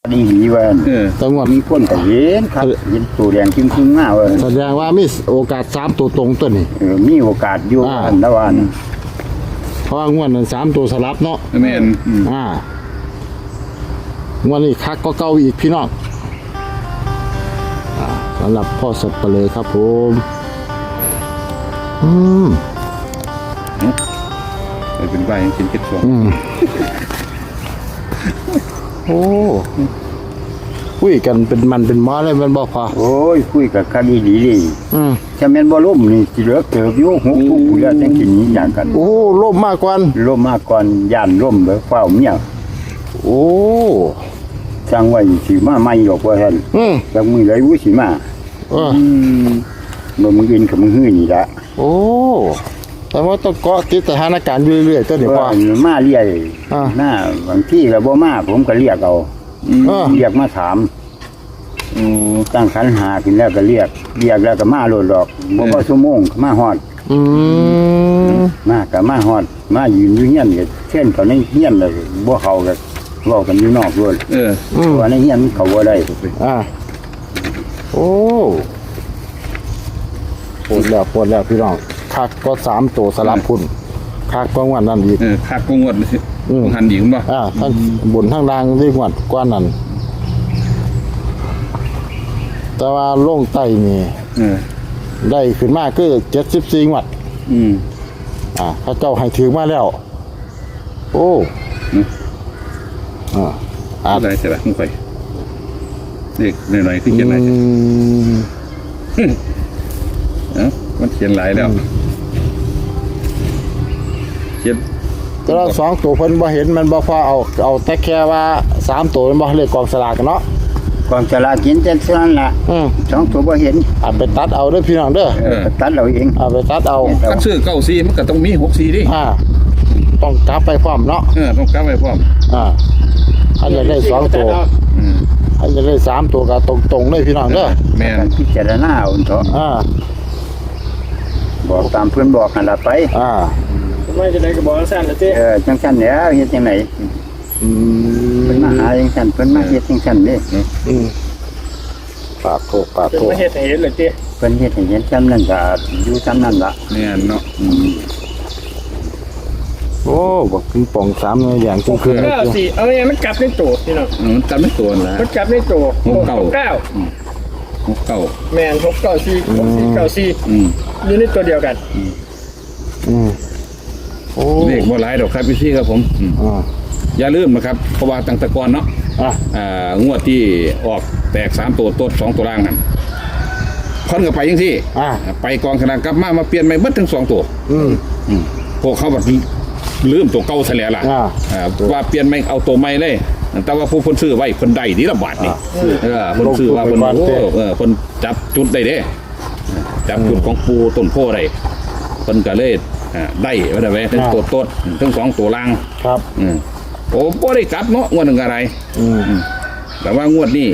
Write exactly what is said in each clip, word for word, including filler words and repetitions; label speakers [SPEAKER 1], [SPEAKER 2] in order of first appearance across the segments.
[SPEAKER 1] ดีดีว่า
[SPEAKER 2] จังหวัด
[SPEAKER 1] มีคนก็เห็นครับเห็นตัวแดงจริงๆมากเลย
[SPEAKER 2] แสดงว่ามีโอกาสสามตัวตรงตัวนี้
[SPEAKER 1] เออมีโอกาสอยู่อันละวัน
[SPEAKER 2] เพราะงวดนั้นสามตัวสลับเนาะ
[SPEAKER 3] แม่น
[SPEAKER 2] อ่างวดนี้คักก็เก่าอีกพี่น้องสำหรับพ่อสับปะเลยครับผมอืม
[SPEAKER 3] เป็นใบกินเก็ดสอง
[SPEAKER 2] โอ้คุยกันเป็นมันเป็นม้าเลยมันบอกพอ
[SPEAKER 1] โอ้ยคุยกับคดีดีดีจะแม่นบ่ล่มนี่สิเหลือเกิดอยู่หกทุกผู้แล้วจังกินนี้อย่างกัน
[SPEAKER 2] โอ้ล่มมากกว่า
[SPEAKER 1] ล่มมากก่อนย่านล่มเด้อเฝ้าเมีย
[SPEAKER 2] โอ้
[SPEAKER 1] จังไว้สิมาใหม่ดอกว่าซั่น
[SPEAKER 2] อือ
[SPEAKER 1] จังมื้อใดวุสิมา
[SPEAKER 2] เออ
[SPEAKER 1] บ่มึงกินกับมึงฮื้อนี่ละ
[SPEAKER 2] โอ้แต่ว่าต้องเกาะติดสถานการณ์อยู่เรื่อยๆตัวนี้ว่า
[SPEAKER 1] มาเรียกหน้าบางที่ก็บ่มาผมก็เรียกเอาเรียกมาถามตั้งขันหาขึ้นแล้วก็เรียกเรียกแล้วก็มาโลดดอกบ่พอชั่วโมงมาฮอด
[SPEAKER 2] อืม
[SPEAKER 1] มาก็มาฮอดมายืนอยู่เฮียนก็เช่นเขาในเฮียนเลยบ่เข้าก็เว้ากันอยู่นอกด้วย
[SPEAKER 3] เออ
[SPEAKER 1] ว่าในเฮียนเขาบ่ได้
[SPEAKER 2] อ่าโอ้ปวดแล้วปวดแล้วพี่น้องคักก็สามตัวสลับคุณคักก็งวดนั่นอีก
[SPEAKER 3] เออคักก็งวดหันดีคุณป่ะ
[SPEAKER 2] อ่าทั้งบนทั้งล่างที่งวดกว่านั้นแต่ว่าโล่งไตนี่ได้ขึ้นมากคือเจ็ดสิบสี่งวด
[SPEAKER 3] อืม
[SPEAKER 2] อ่าพระเจ้าให้ถือมาแล้วโอ้อ่า
[SPEAKER 3] อะไรเสร็จแล้วมึงไปเด็กหน่อยๆที่เขียนอะไรเอ้ามันเขียนหลายแล้วเขียน
[SPEAKER 2] แต่ละสองตัวเพิ่นบ่เห็นมันบ่พอเอาเอาแต่แค่ว่าสามตัวมันบ่เลขกองสลากกันเนาะ
[SPEAKER 1] กองสลากกินแต่เท่านั้นล่ะสองตัวบ่เห็น
[SPEAKER 2] เอาไปตัดเอาเด้อพี่น้องเด้อ
[SPEAKER 1] ตัดเอาเอง
[SPEAKER 2] เอาไปตัดเอา
[SPEAKER 3] คันซื้อเก้าสี่มันก็ต้องมีหกสี่ดิ
[SPEAKER 2] อ่าต้องกลับไปพร้อมเนาะ
[SPEAKER 3] เออต้องกลับไปพร้อม
[SPEAKER 2] อ่าอันจะได้สองตัวอันจะได้สามตัวก็ตรงๆเลยพี่น้องเด้อ
[SPEAKER 3] แม่น
[SPEAKER 1] พิจารณาเอาเถอะ
[SPEAKER 2] อ่า
[SPEAKER 1] บอกตามเพื่อนบอกนั่นล่ะไป
[SPEAKER 2] อ่า
[SPEAKER 4] ไม่จะได้ก็บอกสั้นละเจ้
[SPEAKER 1] เออจังซั่นแล้วเฮ็ดจังได๋
[SPEAKER 2] อืม
[SPEAKER 1] เพิ่นมาหาจังซั่นเพิ่นมาเฮ็ดจังซั่นเด้
[SPEAKER 2] อืมปากโกปากโก
[SPEAKER 4] เฮ็ดให้เห็นเลยเจ้
[SPEAKER 1] เพิ่นเฮ็ดให้เห็นจำนั้นก็อยู่จำนั้นล่ะ
[SPEAKER 3] แม่นเนาะ
[SPEAKER 2] โอ้บอกปิงปองสามอย่างจริงคือ
[SPEAKER 4] เก้าสี่เอาไงมันกลับในตัวพี่น้อง
[SPEAKER 3] มันกลับในตัวแล้ว
[SPEAKER 4] มันกลับในตัว
[SPEAKER 3] หกเก้า
[SPEAKER 4] เก้า
[SPEAKER 3] หกเก้า
[SPEAKER 4] แม่นหกเก้าสี่หกสี่เก้าสี่อยู่ในตัวเดียวกัน
[SPEAKER 2] อืมโอ้
[SPEAKER 3] เลขบ่หลายดอกครับพี่ครับผม
[SPEAKER 2] อ่า
[SPEAKER 3] อย่าลืมนะครับเพราะว่าตั้งแต่ก่อนเนาะอ่างวดที่ออกแตกสามตัวต้นสองตัวล่างนั่นค่อนกับไปยังที่ไปกองขนาดกลับมามาเปลี่ยนใหม่เบิดทั้งสองตัวพวกเขาแบบลืมตัวเก่าเสียแล้วล่ะว่าเปลี่ยนใหม่เอาตัวใหม่เลยแต่ว่าผู้คนซื้อไว้คนใดนี่ละบาทนี่เออคนซื้อว่าคนโอ้เออคนจับจุดได้เด้จับจุดของปูต้นโพได้คนก็เลยได้ไว้ไว้ทั้งตัวต้นทั้งสองตัวล่าง
[SPEAKER 2] ครับ
[SPEAKER 3] อืมโอ้บ่ได้กลับเนาะงวดหนึ่งอะไรแต่ว่างวดนี้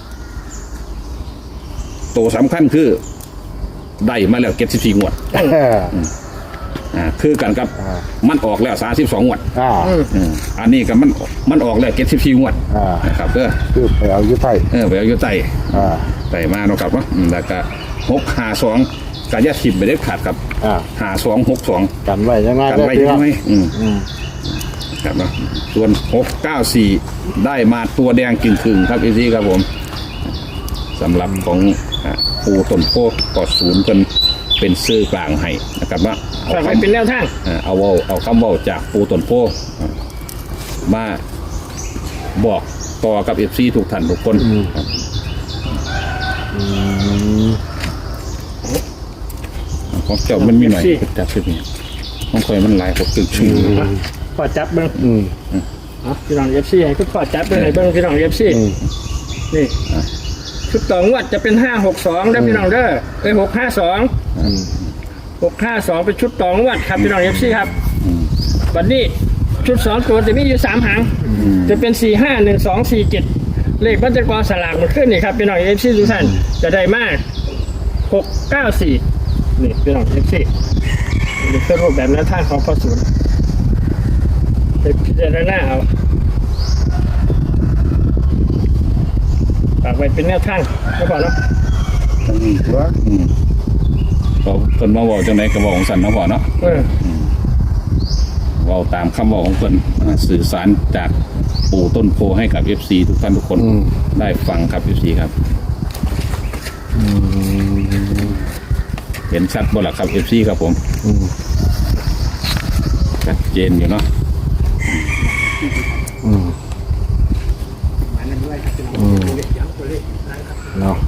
[SPEAKER 3] ตัวสำคัญคือได้มาแล้วเก็บสิบสี่งวดอ่าคือกันกับมันออกแล้วสามสิบสองงวด
[SPEAKER 2] อ่า
[SPEAKER 3] อันนี้กับมันมันออกแล้วเก็บสิบสี่งวดนะครับเออ
[SPEAKER 2] คือไปเอายุทธไทย
[SPEAKER 3] เออไปเอายุทธไทย
[SPEAKER 2] อ่า
[SPEAKER 3] ไต่มาเนาะครับว่าแล้วก็หกห้าสองกายสิบไปได้ขาดกับห้าสองหกสอง
[SPEAKER 2] กันไว้ยังไง
[SPEAKER 3] กันไว้ยังไงอืมครับนะส่วนหกเก้าสี่ได้มาตัวแดงกึ่งคึงครับอีซี่ครับผมสำหรับของปูต้นโพกอดศูนย์เป็นเป็นซื้อกลางให้นะครับว่า
[SPEAKER 4] เอาคำเป็นแนวทาง
[SPEAKER 3] เอาเอาเอาคำว่าจากปูต้นโพมาบอกต่อกับเอฟซีทุกท่านทุกคนของเจ้ามันมีหน่อยจับสิบนี่ของคอยมันหลายหกตึกชื่อ
[SPEAKER 4] พอจับเบิ้งพี่น้องเอฟซีให้คุณพอจับเบิ้งไหนเบิ้งพี่น้องเอฟซีนี่ชุดต่องวดจะเป็นห้าหกสองได้พี่น้องเด้อเอ้ยหกห้าสองหกห้าสองเป็นชุดต่องวดครับพี่น้องเอฟซีครับวันนี้ชุดสองตัวจะมีอยู่สามหางจะเป็นสี่ห้าหนึ่งสองสี่เจ็ดเลขบัญชีกรสลากมันขึ้นนี่ครับพี่น้องเอฟซีทุกท่านจะได้มากหกเก้าสี่นี่พี่น้องเอฟซีนี่คือรูปแบบนั้นท่านของพ่อศูนย์ไปพิจารณาเอาากไว้เป็นแนวทางไม่พอแล้ว
[SPEAKER 1] ทั้งนี้ตัว
[SPEAKER 3] อืมก็เพิ่นมาบอกจังไดก็บอกของสันเนาะพ่อเนาะ
[SPEAKER 4] เออ
[SPEAKER 3] เว้าตามคำบอกของเพิ่นอ่าสื่อสารจากปู่ต้นโพให้กับ เอฟ ซี ทุกท่านทุกคนได้ฟังครับ เอฟ ซี ครับเห็นชัดบ่ล่ะครับ เอฟ ซี ครับผมชัดเจนอยู่เนาะ
[SPEAKER 2] เนาะ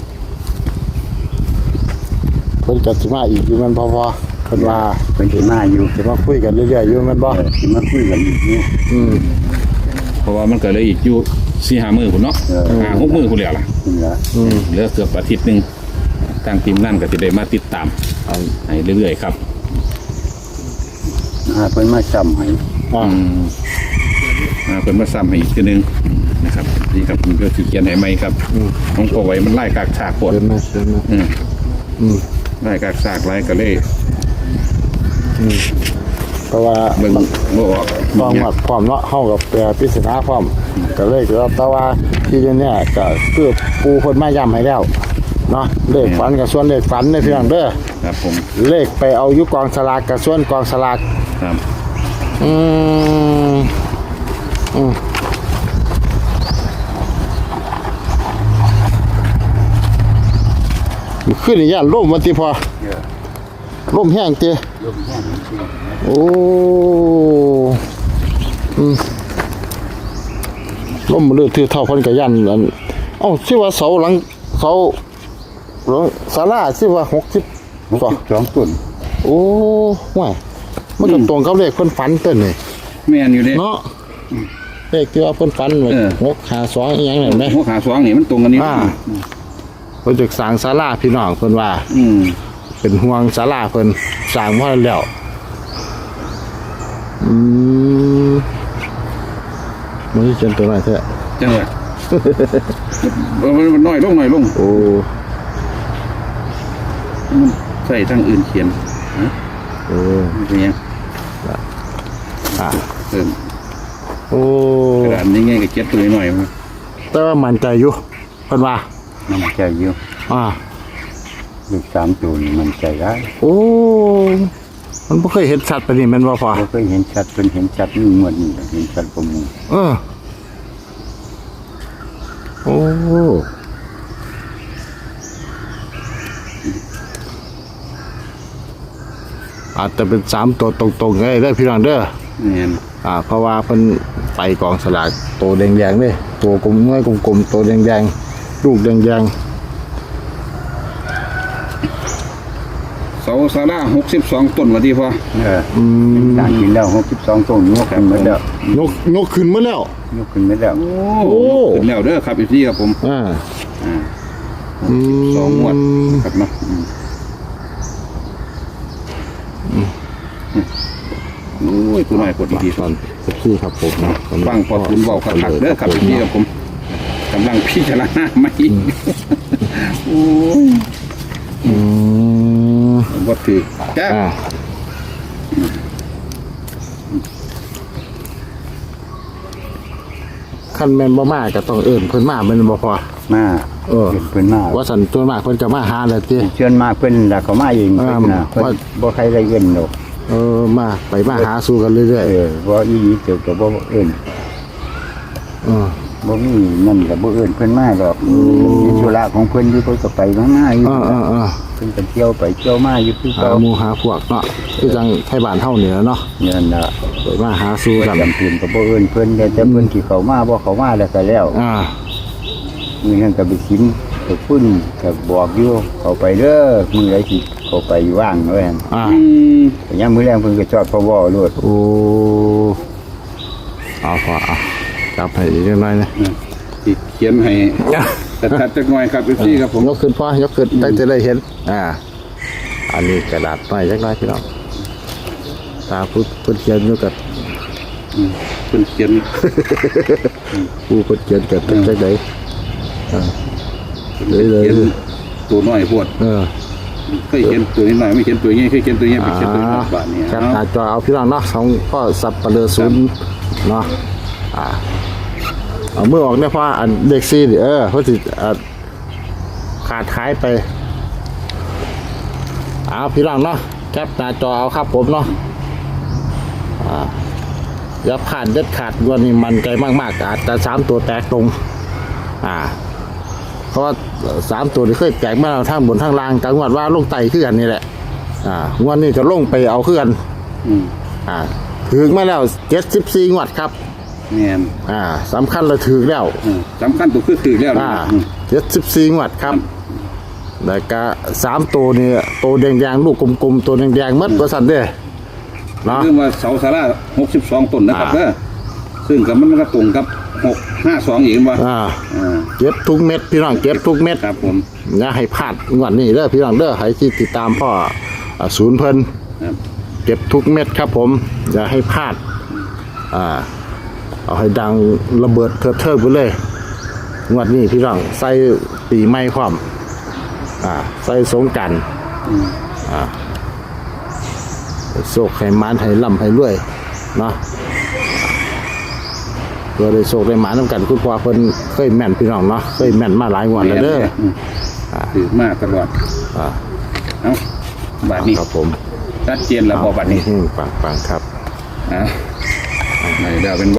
[SPEAKER 2] เพิ่นก็สิมาอีกอยู่แมันพอพอเพิ่นว่า
[SPEAKER 1] เพิ่นสิมาอยู่
[SPEAKER 2] สิมาคุยกันเรื่อยๆอยู่แมันบ่
[SPEAKER 1] เออสิมาคุยกันอีกอยู่
[SPEAKER 2] อืม
[SPEAKER 3] เพราะว่ามันก็เลยอีกอยู่สี่ห้ามื้อพุ่นเนาะ
[SPEAKER 1] เออ
[SPEAKER 3] ห้าหกมื้อพุ่นแล้วล่ะ
[SPEAKER 1] นี่ล่ะ
[SPEAKER 2] อืม
[SPEAKER 3] เหลือเกือบอาทิตย์หนึงทางทีมงานก็สิได้มาติดตามให้เรื่อยๆครับ
[SPEAKER 1] อ่าเพิ่นมาซ้ำให้
[SPEAKER 2] อ่า
[SPEAKER 3] อืมอ่าเพิ่นมาซ้ำให้อีกทีหนึงนะครับนี่ครับผมก็สิเขียนให้ใหม่ครับของพ่อไว้มันไล่กากฉากปวด
[SPEAKER 2] เดินมาเดินมา
[SPEAKER 3] อืม
[SPEAKER 2] อืม
[SPEAKER 3] ไล่กากฉากไล่ก็เลย
[SPEAKER 2] เพราะว่า
[SPEAKER 3] เบิ่งบ่ออก
[SPEAKER 2] ความหมักความเนาะเฮากับแปรปริศนาความก็เลยก็แต่ว่าที่เนี่ยก็คือปูเพิ่นมาย้ำให้แล้วเนาะเลขฝันกับส่วนเลขฝันในพี่น้องเด้อ
[SPEAKER 3] ครับผม
[SPEAKER 2] เลขไปเอาอยู่กองสลากกับส่วนกองสลาก
[SPEAKER 3] ครับ
[SPEAKER 2] อืมอืมขึ้นอีกอย่างร่มวันที่พอ
[SPEAKER 1] เออ
[SPEAKER 2] ร่มแห้งเตี้ย
[SPEAKER 1] ลมแห้งจริง
[SPEAKER 2] โอ้อืมร่มเลือดถือเท่าพันกับยันอันเอ้าชื่อว่าเสาหลังเสาหลังศาลาชื่อว่าหกสิบ
[SPEAKER 1] หกสิบสองต้น
[SPEAKER 2] โอ้ห่วยมันก็ตรงกับเลขเพิ่นฝันเต้นนี่
[SPEAKER 3] แม่นอยู่เด้
[SPEAKER 2] เนาะเลขที่ว่าเพิ่นฝันไว้
[SPEAKER 3] เออ
[SPEAKER 2] หกห้าสองอีหยังนั่นแหม
[SPEAKER 3] หัวขาสองนี่มันตรงกันนี่
[SPEAKER 2] อ่าเพิ่นจะสร้างศาลาพี่น้องเพิ่นว่า
[SPEAKER 3] อืม
[SPEAKER 2] เป็นห่วงศาลาเพิ่นสร้างมาแล้วอืมมันสิเจนตัวไหนแท้
[SPEAKER 3] จังหวะมันมันน้อยลงน้อยลง
[SPEAKER 2] โอ้
[SPEAKER 3] มันใส่ทางอื่นเขียนฮะ
[SPEAKER 2] โอ้
[SPEAKER 3] มันเป็นยัง
[SPEAKER 2] อ่า
[SPEAKER 3] เพิ่ม
[SPEAKER 2] โอ้
[SPEAKER 3] กระดานนี้ไงก็เจ็ดตัวหน่อยๆมัน
[SPEAKER 2] แต่ว่ามั่นใจอยู่เพิ่นว่า
[SPEAKER 1] มันใจอยู่
[SPEAKER 2] อ่า
[SPEAKER 1] ลูกสามตัวนี่มันใจได้
[SPEAKER 2] โอ้ มันบ่เคยเห็นสัตว์ปานนี้แม่นบ่พ่อ
[SPEAKER 1] เราเคยเห็นชัดเป็นเห็นชัดนี่งวดนี่เห็นชัดประมูล
[SPEAKER 2] เออ โอ้อาจจะเป็นสามตัวตรงๆไงเด้อพี่น้องเด้อ
[SPEAKER 3] เนี่ย
[SPEAKER 2] อ่า เพราะว่าเพิ่นไปกองสลากตัวแดงๆเด้ตัวกลมน้อยกลมๆตัวแดงๆลูกแดง
[SPEAKER 3] เสาซาร่าหกสิบสองต้นมาที่พอ
[SPEAKER 1] เออ
[SPEAKER 2] ๆอืม
[SPEAKER 1] ต่างกินแล้วหกสิบสองต้นยกขึ้นมาแล้ว
[SPEAKER 2] ยกยกขึ้นมาแล้ว
[SPEAKER 1] ยกขึ้นมาแล้ว
[SPEAKER 3] โอ้ขึ้นแล้วเด้อครับอีกทีครับผม
[SPEAKER 2] อ่า
[SPEAKER 3] อ่า
[SPEAKER 2] อืม
[SPEAKER 3] สองงวดครับเนาะอืมโอ้ยตัวน้อยกดอีกที
[SPEAKER 2] ตอนที่ครับผมนะ
[SPEAKER 3] ฟังพอทุนเบาขักๆเด้อครับอีกทีครับผมกำลังพิจารณาไม่โอ้ย
[SPEAKER 2] อืม
[SPEAKER 3] วัดถือแก้
[SPEAKER 2] อ่าคันแม่นบ่มาก็ต้องเอิ้นเพิ่นมาแม่นบ่พอ
[SPEAKER 1] มา
[SPEAKER 2] เออ
[SPEAKER 1] เพิ่นมา
[SPEAKER 2] ว่าสันตัวมากเพิ่นจะมาหาแหละติ
[SPEAKER 1] เชิญมาเพิ่นน่ะเขามาเอง
[SPEAKER 2] อ่า
[SPEAKER 1] เพิ่นน่ะเพิ่น
[SPEAKER 2] ว่า
[SPEAKER 1] บ่ใครได้เงินดอก
[SPEAKER 2] เออมาไปมาหาสู่กันเรื่อย
[SPEAKER 1] เออบ่อีหลีเจ้าก็บ่เอิ้น
[SPEAKER 2] ๆเออ
[SPEAKER 1] บ่มีนั่นก็บ่เอิ้นเพิ่นมาดอกมีธุระของเพิ่นอยู่เพิ่นก็ไปมามาอยู่
[SPEAKER 2] เออเออเออ
[SPEAKER 1] เพิ่นก็เที่ยวไปเที่ยวมาอยู่คือ
[SPEAKER 2] หา
[SPEAKER 1] เก่า
[SPEAKER 2] หมู่หาพวกเนาะคือจังไทบ้านเฮานี่แหละเนาะ
[SPEAKER 1] นั่นน่ะ
[SPEAKER 2] ไปมาหาสู่กัน
[SPEAKER 1] จำเป็นก็บ่เอิ้นเพิ่นแต่แต่เพิ่นสิเข้ามาบ่เข้ามาแล้วก็แล้ว
[SPEAKER 2] อ่า
[SPEAKER 1] มื้อนั้นก็ไปกินก็พุ่นก็บอกอยู่เข้าไปเด้อมื้อใดสิเข้าไปว่างว่าหั่น
[SPEAKER 2] อ่า
[SPEAKER 3] อืม
[SPEAKER 1] แต่ยามมื้อแรงเพิ่นก็จอดพอเว้าโลด
[SPEAKER 2] โอ้เอาพอเอาจับให้อีกหน่อยนะ
[SPEAKER 3] ติดเขียนให้แต่ถัดจากหน่อยครับอีกทีครับผม
[SPEAKER 2] ยกขึ้นพอยกขึ้นได้จะได้เห็น อ่า อันนี้กระดาษหน่อยจักหน่อยพี่น้องตาพุทธพุทธเขียนอยู่กับ
[SPEAKER 3] เพิ่นเขียน
[SPEAKER 2] ผู้พุทธเขียนกับจักไดอ่า
[SPEAKER 3] เพิ่นเขียนตัวน้อยพวด
[SPEAKER 2] เออ
[SPEAKER 3] เคยเขียนตัวนี้หน่อยไม่เขียนตัวนี้เคยเขียนตัวนี้ไปเขียนตัวนี้บาทเนี่ย
[SPEAKER 2] แคปหน้าจอเอาพี่น้องเนาะสองก็สับปะเลอศูนย์เนาะอ่าเอามือออกเนี่ยเพราะอันเด็กซีเออเขาสิขาดหายไปเอาพี่น้องเนาะแคปหน้าจอเอาครับผมเนาะอ่าอย่าผ่านเด็ดขาดวันนี้มันใจมากๆอาจจะสามตัวแตกตรงอ่าเพราะว่าสามตัวที่เคยแตกมาทั้งบนทั้งล่างจังหวัดว่าลงไตขึ้นกันนี่แหละอ่างวดนี้จะลงไปเอาขึ้นกันอ่าถึงมาแล้วเจ็ดสิบสี่งวดครับ
[SPEAKER 1] เนี่ย
[SPEAKER 2] อ่าสำคัญเราถือแล้ว
[SPEAKER 3] สำคัญตัวคือถือแล้ว
[SPEAKER 2] อ่าเจ็ดสิบสี่งวดครับแล้วก็สามตัวนี่ตัวแดงๆลูกกลมๆตัวแดงๆมัดประสันเด้เนาะ
[SPEAKER 3] เรื่องว่าเสาสาราหกสิบสองต้นนะครับเด้อซึ่งกับมันก็ตรงกับหกห้าสองอีกว่า
[SPEAKER 2] อ่า
[SPEAKER 3] อ่า
[SPEAKER 2] เก็บทุกเม็ดพี่น้องเก็บทุกเม็ด
[SPEAKER 3] ครับผม
[SPEAKER 2] อย่าให้พลาดงวดนี้เด้อพี่น้องเด้อให้ที่ติดตามพ่ออ่าศูนย์เพิ่น
[SPEAKER 3] ครับ
[SPEAKER 2] เก็บทุกเม็ดครับผมอย่าให้พลาดอ่าเอาให้ดังระเบิดเถิดเทิงไปเลยงวดนี้พี่น้องใส่ปีใหม่พร้อมอ่าใส่สงกรานต์อ่าโศกให้มานให้ล่ำให้รวยเนาะเพื่อได้โศกได้หมาน้ำกันคุณพ่อเพิ่นเคยแม่นพี่น้องเนาะเคยแม่นมาหลายงวดแล้วเด้อ
[SPEAKER 3] ถือมากตลอด
[SPEAKER 2] อ่า
[SPEAKER 3] เอ้าบาทนี้
[SPEAKER 2] ครับผม
[SPEAKER 3] ชัดเจนแล้วพอบัดนี้
[SPEAKER 2] ปังปังๆครับ
[SPEAKER 3] อ่ะไหนเดี๋ยวเป็น